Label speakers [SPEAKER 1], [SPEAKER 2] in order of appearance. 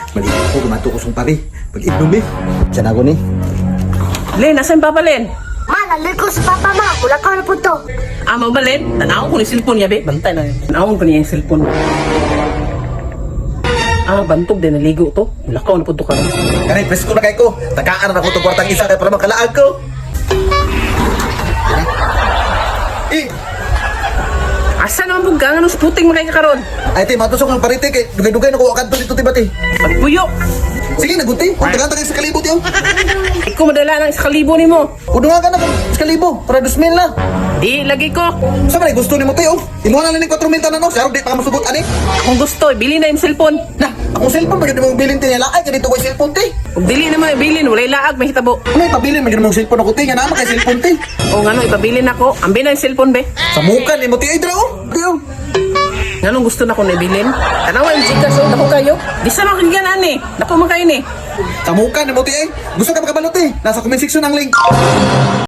[SPEAKER 1] Maliit ko, gumato ko sung pari. Pag-inom eh. Diyan ako ni.
[SPEAKER 2] Len, nasan Papa Len?
[SPEAKER 3] Ma, nandun ko sa papa, ma. Wala ka na po to.
[SPEAKER 2] Ama ba Len? Tanawon ko ni cellphone niya, be. Bantay na. Tanawon ko niya yung cellphone. Bantog din, naligo to. Lakaw na po to ka.
[SPEAKER 1] Kanay, presko na kay ko. Takaan na ako itong kwartang isa kaya para makalaag ko. Eh,
[SPEAKER 2] Asa naman po ka? Anong sputing mo kay kakaroon?
[SPEAKER 1] ay ti, matusok ng parite kay dugay-dugay na ko akad to dito tibati.
[SPEAKER 2] Pagpuyo!
[SPEAKER 1] Sige, nagunti. Tagaan sa kalibot yun.
[SPEAKER 2] Ikaw madala ng 1,000 ni mo.
[SPEAKER 1] Udungan ka na kung sa kalibo. Para 2,000 na.
[SPEAKER 2] Di, lagi ko.
[SPEAKER 1] Sa man, gusto ni mo tayo. Imuha na lang ng 4 minta na no. Saro, di pa ka masugot, ani.
[SPEAKER 2] Kung gusto, bili na yung cellphone.
[SPEAKER 1] Na, akong cellphone, maganda mong bilin tinila. Ay, ganito ko yung cellphone, te.
[SPEAKER 2] Kung dili naman, bilin. Walay laag, may hitabo.
[SPEAKER 1] Ano yung pabilin? Maganda mong cellphone ako, te. Nga naman kay cellphone, te.
[SPEAKER 2] O nga no, ipabilin ako. Ambil na yung cellphone, be.
[SPEAKER 1] Sa muka ni mo, te. Ay, dra, oh. Tiyo.
[SPEAKER 2] Nga nung gusto na ko na ibilin. Tanawa yung chika, so naku kayo. Di sa mga kanigan, ani. Naku mga kayo ni.
[SPEAKER 1] Sa muka ni mo, te. Gusto ka makabalot, te. Nasa comment section ang link.